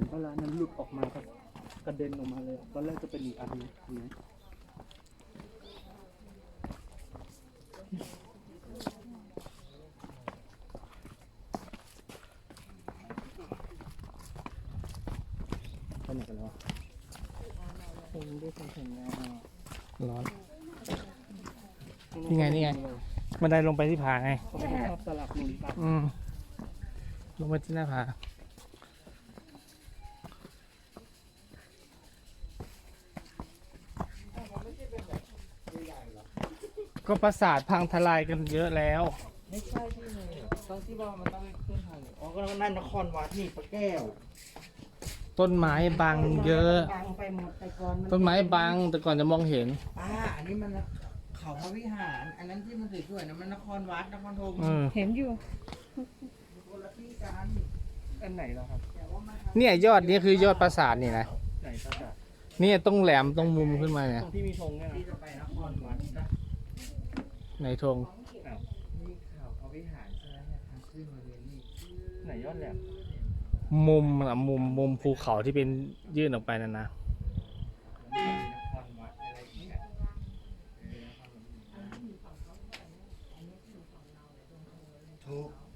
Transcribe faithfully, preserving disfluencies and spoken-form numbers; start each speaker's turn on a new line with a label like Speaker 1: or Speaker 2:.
Speaker 1: เวลานั้นหลุดออกมาก็กระเด็นออกมาเลยตอนแรกจะเป็นอีกอันนึงเห็นไหมไปไหนกันแล้วผมได้เห็นแล้วร้อนนี่ไงนี่ไงบันไดลงไปที่ผาไงชอบสลับหนุนตับอืมลงไปที่หน้าผาก็ปราสาทพังทลายกันเยอะแล้ว
Speaker 2: ไม่ใช่ที่ไหนตอนที่ว่ามันต้องขึ้นทางอ๋อก็นั่นนครวัดนี่ปะแก้ว
Speaker 1: ต้นไม้บังเยอะ
Speaker 2: บังไปหมดแต่ก่อน
Speaker 1: ต้นไม้บังแต่ก่อนจะมองเห็น
Speaker 2: อ่าอันนี้มันเขาพระวิหารอันนั้นที่มันสวยๆนะมันนครวัดนครธม
Speaker 1: เห็
Speaker 3: นอยู่
Speaker 2: คนละที่กัน
Speaker 1: อันไหนแล้วครับ
Speaker 3: เนี่ยยอดนี้คือยอดปราสาทนี่นะ
Speaker 1: ไหนปราสาท
Speaker 3: นี่ต้องแหลมตรงมุมขึ้นมาเนี่ย
Speaker 1: ตรงที่มีธงเนี่ย
Speaker 2: ที่จะไปนครวัดนะ
Speaker 3: ในธง
Speaker 2: นี่เขาพระวิหารใช่ไหมเนี่ยทางขึ้นมาเลยนี่
Speaker 1: ไหนยอดแหลม
Speaker 3: มุมอะมุมมุมภูเขาที่เป็นยื่นออกไปนั่นนะ
Speaker 2: ถูก